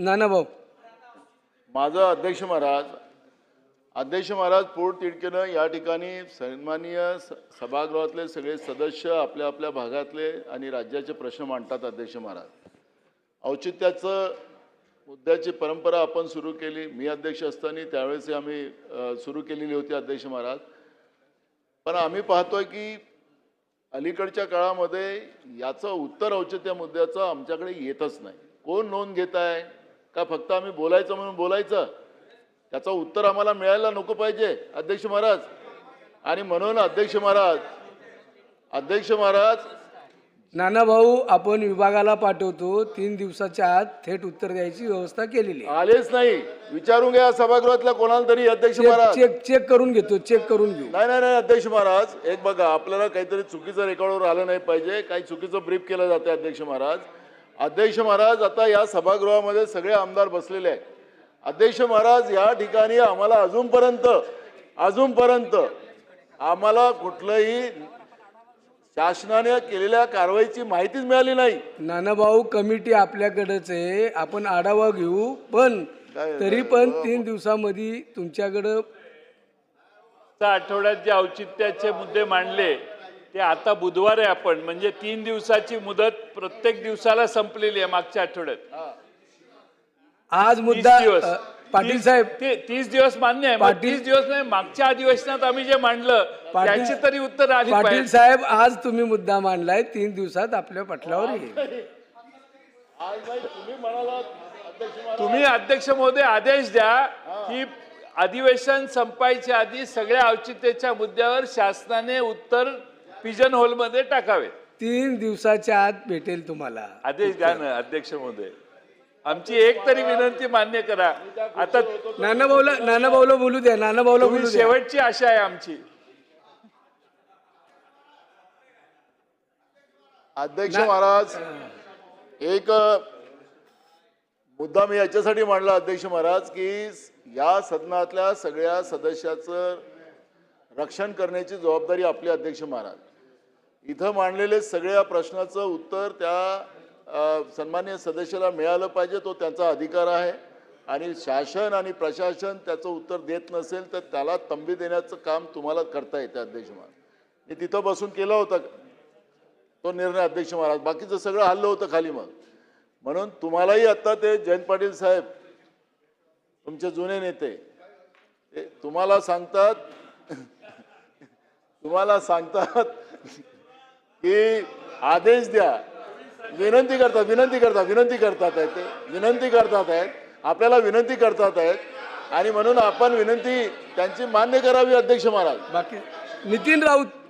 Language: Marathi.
नाना भाऊ माझं अध्यक्ष महाराज पोटतिडकीनं या ठिकाणी सन्माननीय सभागृहातले सगळे सदस्य आपल्या आपल्या भागातले आणि राज्याचे प्रश्न मांडतात. अध्यक्ष महाराज औचित्याचं मुद्द्याची परंपरा आपण सुरू केली. मी अध्यक्ष असताना त्यावेळेस आम्ही सुरू केलेली होती. अध्यक्ष महाराज पण आम्ही पाहतोय की अलीकडच्या काळामध्ये याचं उत्तर औचित्य मुद्द्याचं आमच्याकडे येतच नाही. कोण नोंद घेत आहे का फक्त आम्ही बोलायचं म्हणून बोलायचं, त्याचं उत्तर आम्हाला मिळायला नको पाहिजे अध्यक्ष महाराज. आणि म्हणून अध्यक्ष महाराज नाना भाऊ आपण विभागाला पाठवतो, 3 दिवसाच्या आत थेट उत्तर द्यायची व्यवस्था केलेली आहे. आलेच नाही, विचारून घ्या सभागृहातल्या कोणाला तरी. अध्यक्ष महाराज चेक करून घेतो, चेक करून घेऊ. नाही अध्यक्ष महाराज एक बघा, आपल्याला काहीतरी चुकीचं रेकॉर्डवर आलं नाही पाहिजे, काही चुकीचं ब्रीफ केलं जाते. अध्यक्ष महाराज आता या सभागृहामध्ये सगळे आमदार बसलेले आहेत. अध्यक्ष महाराज या ठिकाणी आम्हाला अजूनपर्यंत आम्हाला कुठलंही शासनाने केलेल्या कारवाईची माहितीच मिळाली नाही. नाना भाऊ कमिटी आपल्याकडेच आहे, आपण आढावा घेऊ. पण तरी पण 3 दिवसामध्ये तुमच्याकडं आठवड्यात जे औचित्याचे मुद्दे मांडले ते आता बुधवार आहे, आपण म्हणजे 3 दिवसाची मुदत प्रत्येक दिवसाला संपलेली आहे. मागच्या आठवड्यात आज मुद्दा 30 दिवस. पाटील साहेब 30 दिवस मान्य आहे. 30 दिवस नाही, मागच्या अधिवेशनात आम्ही जे मांडलं त्याची तरी उत्तर आली पाटील पाहिजे. साहेब आज तुम्ही मुद्दा मांडलाय, 3 दिवसात आपल्या पटलावर येईल. तुम्ही अध्यक्ष महोदय आदेश द्या की अधिवेशन संपायच्या आधी सगळ्या औचित्याच्या मुद्द्यावर शासनाने उत्तर पिजन होल मध्ये टाकावे. 3 दिवसाच्या आत भेटेल तुम्हाला आदेश द्या ना अध्यक्ष महोदय. आमची एक तरी विनंती मान्य करा. आता नाना भाऊला बोलू द्या. नाना भाऊला बोलू द्या. शेवटची आशा आहे आमची. अध्यक्ष महाराज एक मुद्दा मी याच्यासाठी मांडला अध्यक्ष महाराज की या सदनातल्या सगळ्या सदस्याचं रक्षण करण्याची जबाबदारी आपली. अध्यक्ष महाराज इथं मांडलेले सगळ्या प्रश्नाचं उत्तर त्या सन्माननीय सदस्याला मिळालं पाहिजे, तो त्यांचा अधिकार आहे. आणि शासन आणि प्रशासन त्याचं उत्तर देत नसेल तर त्याला तंबी देण्याचं काम तुम्हाला करता येतं. अध्यक्ष महाराज मी तिथं बसून केला होता तो निर्णय. अध्यक्ष महाराज बाकीचं सगळं हल्लं होतं खाली. म्हणून तुम्हालाही आता ते जयंत पाटील साहेब तुमचे जुने नेते ते तुम्हाला सांगतात की आदेश द्या. विनंती करतात आपल्याला विनंती करतात आहेत. आणि म्हणून आपण विनंती त्यांची मान्य करावी. अध्यक्ष महाराज बाकी नितीन राऊत